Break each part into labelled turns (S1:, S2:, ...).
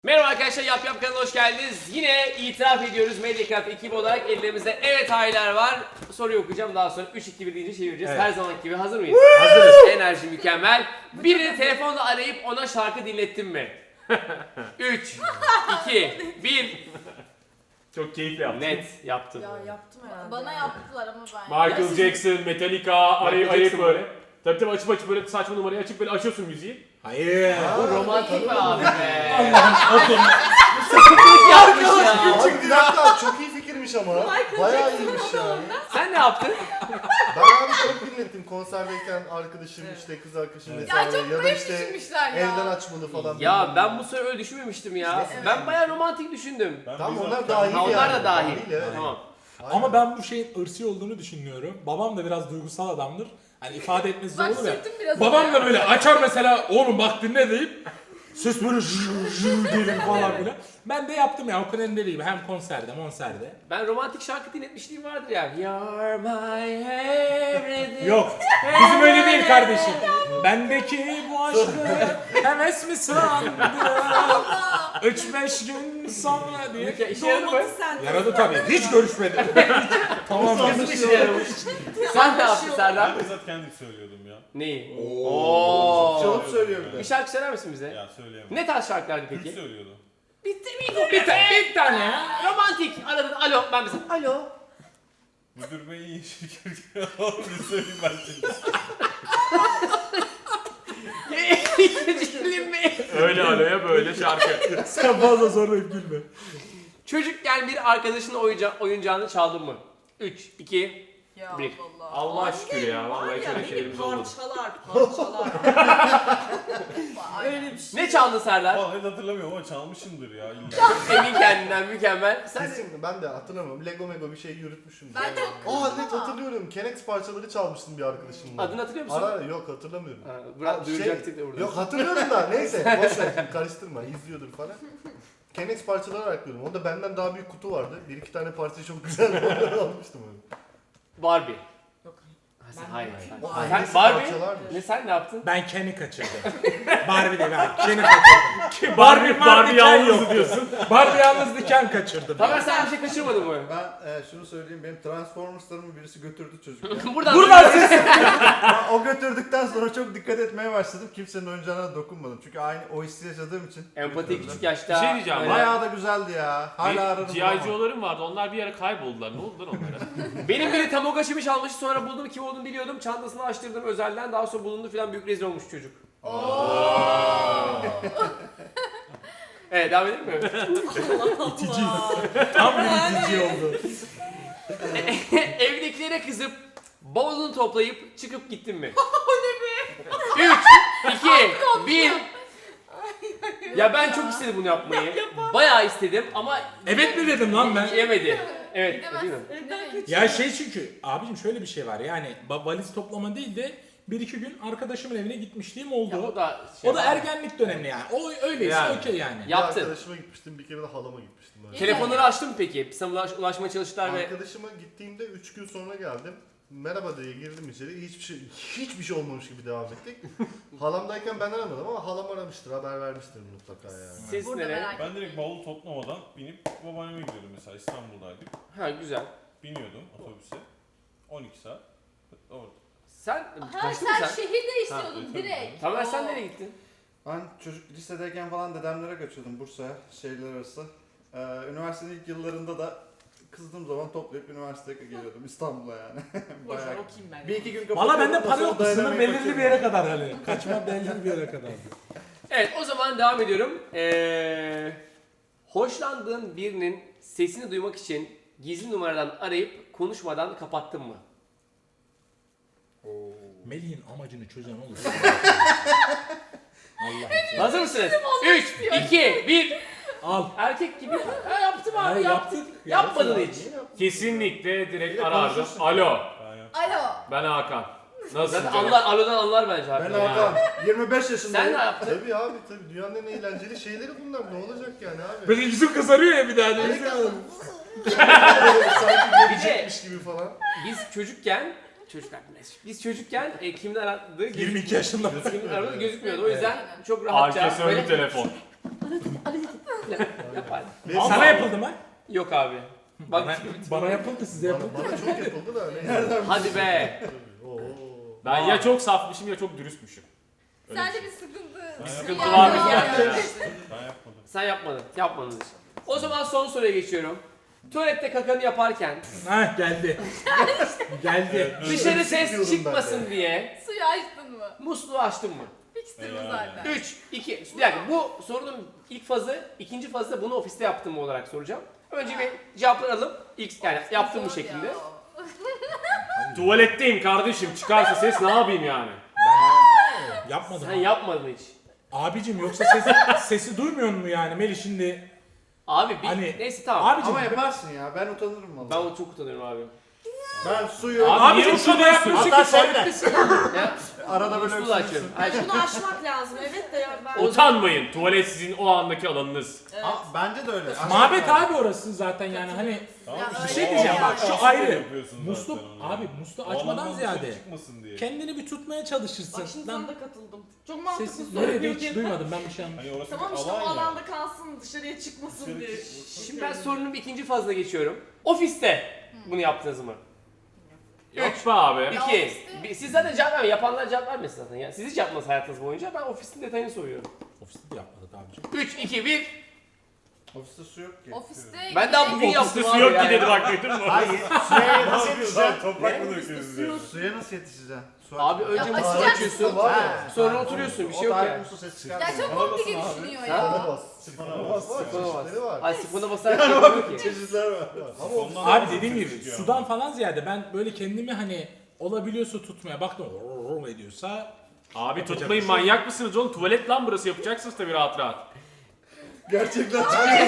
S1: Merhaba arkadaşlar, Yap Yap kanalına hoş geldiniz. Yine itiraf ediyoruz Mediacraft ekibi olarak elimizde evet hayırlar var. Soruyu okuyacağım, daha sonra 3-2-1 deyince çevireceğiz. Evet. Her zamanki gibi hazır mıyız?
S2: Hazırız.
S1: Enerji mükemmel. Birini telefonla arayıp ona şarkı dinlettin mi? 3, 2, 1.
S2: Çok keyifli yaptın.
S1: Net yaptım.
S3: Ya yaptım herhalde.
S4: Bana yaptılar ama ben.
S2: Michael Jackson, Metallica, arayıp böyle. Tabii açıp böyle saçma numarayı açıp böyle açıyorsun müziği.
S5: Hayır.
S1: Bu romantik mi abi be?
S5: Okey.
S1: Yapmış ya.
S5: Abi bir dakika çok iyi fikirmiş ama. Bayağı iyiymiş ya.
S1: Sen ne yaptın?
S5: Ben abi çok dinlettim konserdeyken arkadaşım işte kız arkadaşım
S4: Ya
S5: vesaire
S4: çok
S5: ya da
S4: böyle
S5: işte
S4: düşünmüşler ya.
S5: evden açmalı falan.
S1: Ya ben bu sefer öyle düşünmemiştim ya. Ben bayağı romantik düşündüm.
S5: Tamam onlar dahil
S1: Ha,
S5: yani.
S1: onlar da dahil.
S5: evet.
S1: Tamam.
S5: Aynen.
S6: Ama ben bu şeyin ırsi olduğunu düşünmüyorum. Babam da biraz duygusal adamdır. Hani ifade etmesi zor
S4: Bak
S6: olur ya.
S4: sırtım biraz
S6: Babam da böyle açar mesela, oğlum bak dinle deyip ses böyle gelir falan filan. Ben de yaptım ya, o kadar değil. Hem konserde, monserde.
S1: Ben romantik şarkı dinletmişliğim vardır ya. You're my everything.
S6: Yok, bizim öyle değil kardeşim. Bendeki bu aşkı heves mi sandı? 3-5 gün sonra diye.
S1: İşe yaradı mı?
S6: Yaradı tabii. Hiç görüşmedim. Tamam.
S1: Kesin işe yaramış. Sen ne yaptın Serdar?
S7: Ben bizzat kendim söylüyordum ya.
S1: Neyi?
S5: Çalıp söylüyor bir de.
S1: Bir şarkı söyler misin bize?
S7: Ya söyleyemem.
S1: Ne tarz şarkılardı
S7: Türk
S1: peki?
S7: söylüyordu.
S1: Bir tane ya. Romantik. Aradın. Alo. Ben mesela. Alo.
S7: Müdür bey iyi şirket. Bir söyleyeyim ben şimdi.
S1: Cicilin mi?
S2: Öyle araya böyle şarkı.
S6: Sen fazla zorlayıp gülme.
S1: Çocukken bir arkadaşının oyuncağını çaldın mı? 3, 2,
S4: Ya
S1: Bir.
S4: Allah.
S2: Allah şükür ya.
S3: Var
S2: Vallahi
S3: ya
S2: şöyle
S3: beni
S2: şeylerimiz olmadı.
S3: parçalar. Öyle bir şey.
S1: Ne çaldın Serdar?
S7: Vallahi net hatırlamıyorum ama çalmışımdır ya. İlla.
S1: Emin kendinden mükemmel. Sen
S5: Kesin ben de hatırlamıyorum. Lego Mego bir şey yürütmüşüm.
S4: Ben de
S5: Net hatırlıyorum. Kenex parçaları çalmıştım bir arkadaşımla.
S1: adını hatırlıyor musun?
S5: Ara yok hatırlamıyorum.
S1: Bırak duyuracaktık da burada.
S5: Yok hatırlıyorum da neyse boş ver şimdi karıştırma izliyordur falan. Kenex parçaları araklıyordum. Onda benden daha büyük kutu vardı. Bir iki tane parça çok güzel onları almıştım öyle.
S1: Barbie.
S3: Yok.
S1: Hayır,
S3: Ben
S1: hayır.
S3: bilmiyorum.
S5: O
S1: Sen
S5: annesi
S1: Barbie.
S5: parçalarmış.
S1: Ne sen ne yaptın?
S6: Ben Ken'i kaçırdım. Barbie değil, ben Ken'i kaçırdım.
S2: Barbie
S6: Ken
S2: yalnızdı
S6: yoktu.
S2: diyorsun.
S6: Barbie yalnızdı, Ken kaçırdım.
S1: Tamer sen bir şey kaçırmadın mı?
S8: Ben şunu söyleyeyim, benim Transformers'larımı birisi götürdü çocukken.
S1: Buradan ses.
S8: Ben o götürdükten sonra çok dikkat etmeye başladım. Kimsenin oyuncağına dokunmadım. Çünkü aynı o hissi yaşadığım için.
S1: Empati
S8: götürdüler.
S1: küçük yaşta.
S2: Bir şey diyeceğim,
S1: öyle.
S8: Bayağı da güzeldi ya. Hala ararım.
S2: G.I. Joe'larım vardı. Onlar bir ara kayboldular. Ne oldu lan onlara?
S1: Benim biri Tamagotchi'mi çalmıştı, sonra buldum, kim olduğunu biliyordum. Çantasını açtırdım özelden, daha sonra bulundu filan, büyük rezil olmuş çocuk. Evet, devam edelim mi?
S6: İtici. Tam bir itici oldu.
S1: Evdekilere kızıp bavulunu toplayıp çıkıp gittin mi? O ne be? 3, 2, 1. Ya ben çok istedim bunu yapmayı. Bayağı istedim ama
S6: Evet mi dedim lan ben?
S1: yemedi. Evet, değil mi?
S6: Ya şey, çünkü abicim şöyle bir şey var, yani valiz toplama değil de bir iki gün arkadaşımın evine gitmişliğim oldu.
S1: Ya,
S6: o da ergenlik dönemi yani. O öyleyse
S2: Yani.
S6: okey yani.
S5: Bir
S1: Yaptın.
S5: arkadaşıma gitmiştim, bir kere de halama gitmiştim. Ben.
S1: Telefonları açtın mı peki? Sana ulaşmaya çalıştılar ve...
S5: Arkadaşıma gittiğimde 3 gün sonra geldim. Merhaba diye girdim içeri. Hiçbir şey olmamış gibi devam ettik. Halamdayken ben aramadım ama halam aramıştır, haber vermiştir mutlaka yani.
S1: Ses
S4: Burada
S1: nere?
S4: merak
S7: Ben direkt bavul toplamadan binip babaanneme gidiyordum mesela. İstanbul'daydık.
S1: Ha, güzel.
S7: Biniyordum otobüse. 12 saat. Orada.
S1: Sen
S4: Ha
S1: kaçtın mı
S4: sen
S1: sen?
S4: şehir değiştiriyordun
S7: Ha,
S4: direkt.
S1: Tamer sen
S4: Oo.
S1: nereye gittin?
S8: Ben çocuk lisedeyken falan dedemlere kaçıyordum Bursa'ya, şehirler arası. Üniversitenin ilk yıllarında da kızdığım zaman toplayıp üniversiteye geliyordum İstanbul'a yani.
S3: Boşver
S8: Bayağı.
S3: okuyayım ben.
S8: Bir iki gün
S6: Valla bende
S8: kapatıyordum,
S6: para
S8: sonra
S6: yoktu, sınır
S8: dayanamayıp
S6: belirli bir
S8: kaçıyordum.
S6: yere kadar hani. Kaçma belirli bir yere kadar.
S1: Evet, o zaman devam ediyorum. Hoşlandığın birinin sesini duymak için gizli numaradan arayıp konuşmadan kapattın mı?
S6: Melih'in amacını çözen olur. Allah.
S1: Hazır mısınız? 3, 2, 1.
S6: Al.
S1: Erkek gibi. Ha, yaptım abi,
S6: Hayır,
S1: yaptım.
S6: yaptık.
S1: Yapmadın hiç.
S2: Kesinlikle direkt
S5: Yine
S2: arardım.
S5: konuşursun.
S2: Alo.
S7: Ben ya.
S4: Alo.
S2: Ben Hakan. Nasılsın
S1: Zaten
S2: canım?
S1: alodan anlar bence
S8: Ben
S1: abi.
S8: Hakan, 25 yaşındayım.
S1: Sen ne yaptın?
S5: Tabii abi tabii dünyanın en eğlenceli şeyleri bunlar, ne olacak yani abi?
S6: Böyle yüzüm kızarıyor ya bir daha.
S5: Sanki gelecekmiş gibi falan.
S1: Biz çocukken biz çocukken kimin aradığı
S6: 22 yaşında.
S1: kimin aradığı gözükmüyordu. O yüzden çok rahatça
S2: Arkası önlü
S1: böyle
S2: telefon.
S1: Yapar.
S6: Sana yapıldı mı?
S1: Yok abi. Bak
S6: Bana yapıldı, size yapıldı.
S5: Bana çok yapıldı da nereden?
S1: hadi be.
S5: Oo.
S2: Ben ya çok safmışım ya çok dürüstmüşüm.
S4: Sende bir sıkıntı.
S2: sıkıntı
S4: Yani
S2: var mı?
S4: yani.
S7: Ben yapmadım.
S1: Sen yapmadın. Yapmadın hiç. O zaman son soruya geçiyorum. Tuvalette kakanı yaparken
S6: Heh geldi. Geldi.
S1: dışarı ses
S5: Sıkıyorum ben
S1: çıkmasın
S5: de.
S1: diye
S4: Suyu açtın mı?
S1: musluğu açtın mı?
S4: Fixtir bu
S7: Yani.
S4: zaten.
S1: 3, 2, bir dakika bu sorunun ilk fazı, ikinci fazı da bunu ofiste yaptım mı olarak soracağım. Önce bir cevapları alıp ilk yani yaptığım bu
S4: Zor
S1: şekilde.
S4: ya.
S2: Tuvaletteyim kardeşim çıkarsa ses ne yapayım yani?
S6: Yapmadım.
S1: Sen yapmadın hiç.
S6: Abicim yoksa sesi duymuyor mu yani Melih şimdi?
S1: Abi bir
S6: Hani-
S1: neyse tamam.
S6: Abicim
S8: Ama yaparsın ya. Ben utanırım
S1: Ben
S8: valla.
S1: onu çok utanıyorum abi.
S5: Ben suyu...
S2: Abi, niye
S6: abicim şurada
S2: utanıyorsun?
S6: yapıyorsun
S8: Hatta
S6: ki
S8: şöyle.
S6: tuvalettesin.
S1: Ya,
S8: Arada böyle
S1: musluğu da açıyorum. Ay,
S3: Bunu aşmak lazım evet de ya ben.
S2: Utanmayın. Tuvalet sizin o andaki alanınız.
S3: Evet.
S8: Bence de öyle.
S6: Mabet abi orası zaten yani hani
S7: Tamam
S4: Ya
S7: işte
S4: öyle
S6: bir şey
S7: o
S6: diyeceğim
S7: alandan
S6: bak şu
S7: kalsın
S6: ayrı.
S7: diye yapıyorsun zaten
S6: Musluk
S7: onu.
S6: abi musluğu
S7: O
S6: açmadan
S7: alandan dışarı
S6: ziyade
S7: çıkmasın diye.
S6: kendini bir tutmaya çalışırsın.
S3: Bak şimdi
S6: Lan
S3: sana da katıldım. Çok mantıklı
S6: sessiz böyle de hiç
S3: söylüyorsun.
S6: duymadım ben bir şey anlamadım.
S7: Hani orası
S3: Tamam
S7: bir
S3: işte o
S7: alan ya.
S3: alanda kalsın dışarıya çıkmasın
S7: Dışarı
S3: diye.
S7: çıkmasın.
S1: Şimdi ben sorunun ikinci fazına geçiyorum. Ofiste bunu yaptınız mı?
S2: Yok be abi.
S1: İki.
S4: ofiste-
S1: Siz zaten cevap vermeyin. Yapanlar cevap vermesin zaten ya. Siz hiç yapmadınız hayatınız boyunca. Ben ofisin detayını soruyorum.
S6: Ofiste de yapmadık abicim.
S1: 3, 2, 1.
S8: Ofiste su yok ki.
S4: Ofiste
S1: Ben daha bugün
S2: Ofiste
S1: yaptım
S2: su
S1: abi
S2: yok
S1: ya.
S2: ki dedi bak duydun mu?
S8: Hayır. Suya
S7: Ne
S8: nasıl
S7: yapıyorsun lan?
S8: yetişeceksin?
S7: Toprak mı döküyorsun diye.
S8: Suya nasıl yetişeceksin? Su
S1: Abi önce
S4: Ya
S1: musluğu
S4: açacaksın.
S1: açıyorsun.
S5: Var ya.
S8: Ha,
S1: Sonra
S8: ha,
S1: oturuyorsun, bir
S8: o
S1: şey yok
S8: tarih
S1: yani.
S8: muslu ses
S4: Ya
S8: çıkartmıyor.
S4: çok
S7: Bana
S4: komplike
S7: basın abi.
S4: düşünüyor
S5: Sifona
S4: ya.
S5: bas. Sifona bas. Var.
S1: Sifona bas.
S5: Çeşitleri var.
S1: Ay sifona basarak yapamıyor ki.
S8: Çeşitler var.
S5: Ama o
S7: Ondan
S6: Abi
S7: sonra
S6: dediğim
S7: ses
S6: gibi
S7: çıkıyor
S6: sudan falan ziyade ben böyle kendimi hani olabiliyorsa tutmaya baktım ediyorsa
S2: Abi
S6: Yapacak
S2: tutmayın
S6: bir şey yok.
S2: manyak mısınız oğlum? Tuvalet lan burası yapacaksınız tabii rahat rahat.
S8: Gerçekten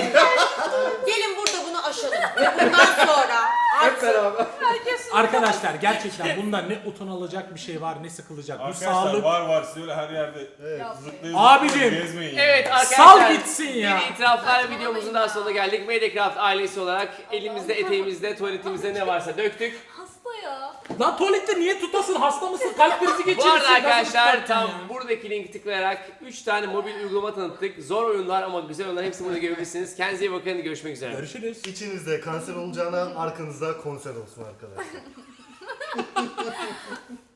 S3: Gelin burada bunu aşalım. Ve bundan sonra
S8: hep beraber.
S6: arkadaşlar gerçekten bunda ne utanılacak bir şey var ne sıkılacak. Bu
S7: Arkadaşlar
S6: sağlık
S7: var siz öyle her yerde
S5: Evet.
S7: zıplayıp
S6: Abicim.
S7: gezmeyin.
S1: Evet arkadaşlar.
S6: Sal gitsin ya.
S1: Bir itiraflar videomuzun daha sonuna geldik. Mediacraft ailesi olarak elimizde, eteğimizde, tuvaletimizde ne varsa döktük.
S4: Hasta ya.
S6: Lan tuvalette niye tutasın hasta mısın kalp krizi
S1: Bu
S6: geçirirsin.
S1: arada
S6: nasıl
S1: arkadaşlar
S6: tutarsın
S1: tam
S6: ya?
S1: buradaki linki tıklayarak 3 tane mobil uygulama tanıttık. Zor oyunlar ama güzel oyunlar, hepsini burada görebilirsiniz. Kendinize iyi bakın, görüşmek üzere.
S6: Görüşürüz.
S5: İçinizde kanser olacağına arkanızda konser olsun arkadaşlar.